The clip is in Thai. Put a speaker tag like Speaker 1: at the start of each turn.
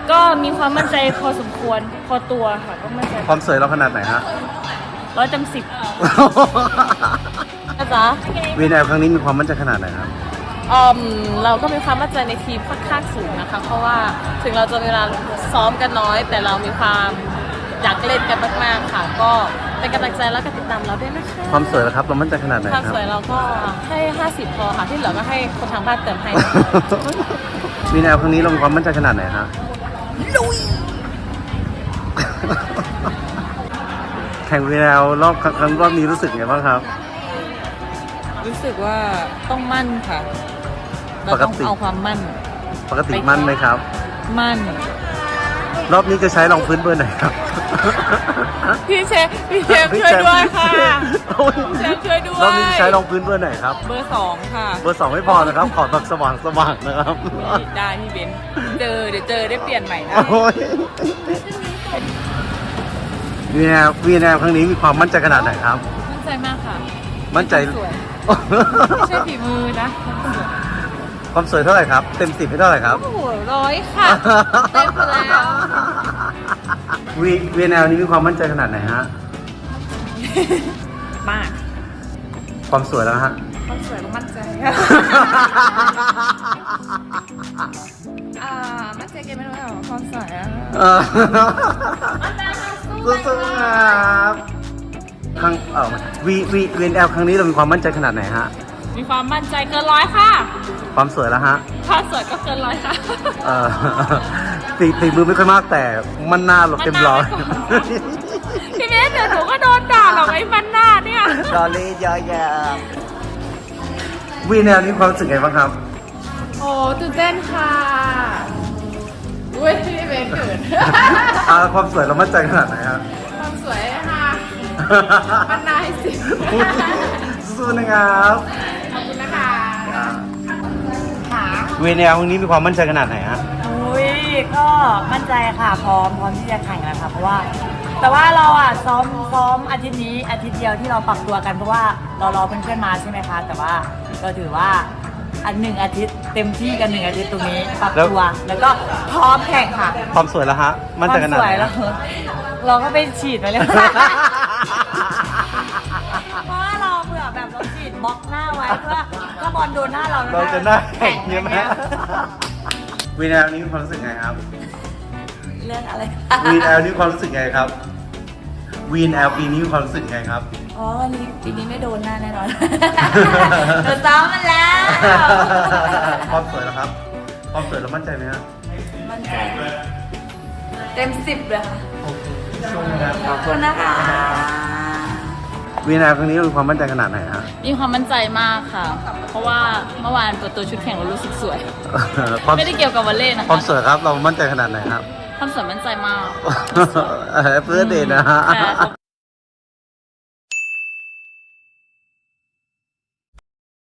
Speaker 1: ก็มีความมั่นใจพอสมควรพอตัวค่ะก็มั่นใจ
Speaker 2: ความสวยเราขนาดไหนฮะ
Speaker 1: 100/10นะจ๊ะ
Speaker 2: VNL ครั้งนี้มีความมั่นใจขนาดไหนครับ
Speaker 1: เราก็มีความมั่นใจในทีมค่อนข้างสูงนะคะเพราะว่าถึงเราจะมีเวลาซ้อมกันน้อย แต่เรามีความอยากเล่นกันมากๆค่ะ ก็เป็นกำลังใจแล้วก็ติดตามเราด้วยนะคะ
Speaker 2: ความสวยแล้วครับเรามั่นใจขนาดไหน
Speaker 1: ความ
Speaker 2: ครับ
Speaker 1: สวยเราก็ให้50พอค่ะที่เหลือก็ให้คนทางบ้านเติมให้
Speaker 2: VNL ครั้งนี้เรามีความมั่นใจขนาดไหนฮะแข่ง VNL รอบนี้รู้สึกไงบ้างครับ
Speaker 1: รู้สึกว่าต้องมั่นค่ะเราต้องเอาความมั่น
Speaker 2: ปกติมั่นไหมครับ
Speaker 1: มั่น
Speaker 2: รอบนี้จะใช้รองพื้นเบอร์ไหนครับ
Speaker 1: พี่เชฟช่วยด้วยค่ะ
Speaker 2: โอ้ย
Speaker 1: เชฟช่วยด้วย
Speaker 2: รอบนี้จะใช้รองพื้นเบอร์ไหนครับ
Speaker 1: เบอร์ 2ค่ะ
Speaker 2: เบอร์ 2ไม่พอนะครับ ขอแบบสว่างนะครับ
Speaker 1: ได้พี่เบนเดี๋ยวเจอได้เปลี่ยนใหม่นะ
Speaker 2: โอ้ย VNL ครั้งนี้มีความมั่นใจขนาดไหนครับ
Speaker 1: มั่นใจมากค่ะ
Speaker 2: มั่นใจ
Speaker 1: สวยไม่ใช่ฝีมือนะ
Speaker 2: ความสวยเท่าไหร่ครับ เต็ม 10ให้เท่าไหร่ครับ
Speaker 1: โอ้โห100ค่ะเต็มไปแล้ว
Speaker 2: VNL นี้มีความมั่นใจขนาดไหนฮะ
Speaker 1: มาก
Speaker 2: ความสวยแล้วฮะ
Speaker 1: ความสวยก็มั่นใจค่ะมั่นใจเกมไม่รู้หรอความสวยอะ
Speaker 2: สู้ๆครับครั้งVNL ครั้งนี้เรามีความมั่นใจขนาดไหนฮะ
Speaker 1: มีความมั่นใจเกิน100ค่ะ
Speaker 2: ความสวยแล้วฮะ
Speaker 1: ความสวยก็เกิน100ค่ะ
Speaker 2: ตีมือไม่ค่อยมากแต่มันหน้าเราเต็มร้อย
Speaker 1: พี่เมสเดี๋ยวหนูก็โดนด่าหรอกไอ้มันหน้าเนี่ย
Speaker 2: ดอลลี่เยอะแยะVNLนี้ความรู้สึกไงบ้างครับ
Speaker 1: โอ้ตื่นเต้นค่ะอุ้ยพี่เมสเกิด
Speaker 2: ความสวยเรามั่นใจขนาดไหนครับ
Speaker 1: ความสวยค่ะมันนายสิ
Speaker 2: สู้นะครับ
Speaker 1: ขอบคุณนะคะค่ะ
Speaker 2: VNL ครั้งนี้มีความมั่นใจขนาดไหนฮะ
Speaker 3: อุ้ยก็มั่นใจค่ะพร้อมที่จะแข่งแล้วค่ะเพราะว่า แต่ว่าเราอ่ะซ้อมอาทิตย์นี้อาทิตย์เดียวที่เราปรับตัวกันเพราะว่าเรารอเพื่อนๆมาใช่ไหมคะแต่ว่าก็ถือว่า1 อาทิตย์เต็มที่กัน1 อาทิตย์ตรงนี้ปรับตัวแล้วก็พร้อมแข่งค่ะ
Speaker 2: ความสวยแล้วฮะ มั่นใจขนาด
Speaker 3: ควา
Speaker 2: ไห
Speaker 3: มสวย
Speaker 2: น
Speaker 3: แล้วเราก็ไปฉีดมาเลย เพราะว่าเราเผื่อแบบเราฉีดบล็อกหน้าไว้เพื่อถ้าบอลโดนหน้าเรา
Speaker 2: เราจะหน้าแข็งใช่ไหม VNL นี้มีความรู้สึกไงครับ
Speaker 3: เรื่องอะไร
Speaker 2: VNL นี้ความรู้สึกไงครับ VNL ปีนี้มีความรู้สึกไงครับ
Speaker 3: อ๋อวันนี้ปีนี้ไม่โดนหน้าแน่นอน โดนซ้อมมันแล้ว
Speaker 2: ความสวยแล้วครับ ความสวยเรามั่นใจไหมฮะ
Speaker 3: มันใจเต็ม10เลยค่ะ
Speaker 2: สู้นะค
Speaker 3: ข
Speaker 2: รั
Speaker 3: อ
Speaker 2: บบ
Speaker 3: คุณนะคะ
Speaker 2: VNL ครั้งนี้เรามีความมั่นใจขนาดไหนฮะ
Speaker 1: มีความมั่นใจมากค่ะ เพราะว่าเมื่อวานเปิดตัวชุดแข่งเรารู้สึกสวย
Speaker 2: ความ
Speaker 1: ไม่ได้เกี่ยวกับวอลเลย์นะ
Speaker 2: ควา
Speaker 1: คะ
Speaker 2: มสวยครับ เรามั่นใจขนาดไหนครับ
Speaker 1: ความสวยมั่นใจมาก
Speaker 2: เพื่อเดทนะฮะ
Speaker 1: แต่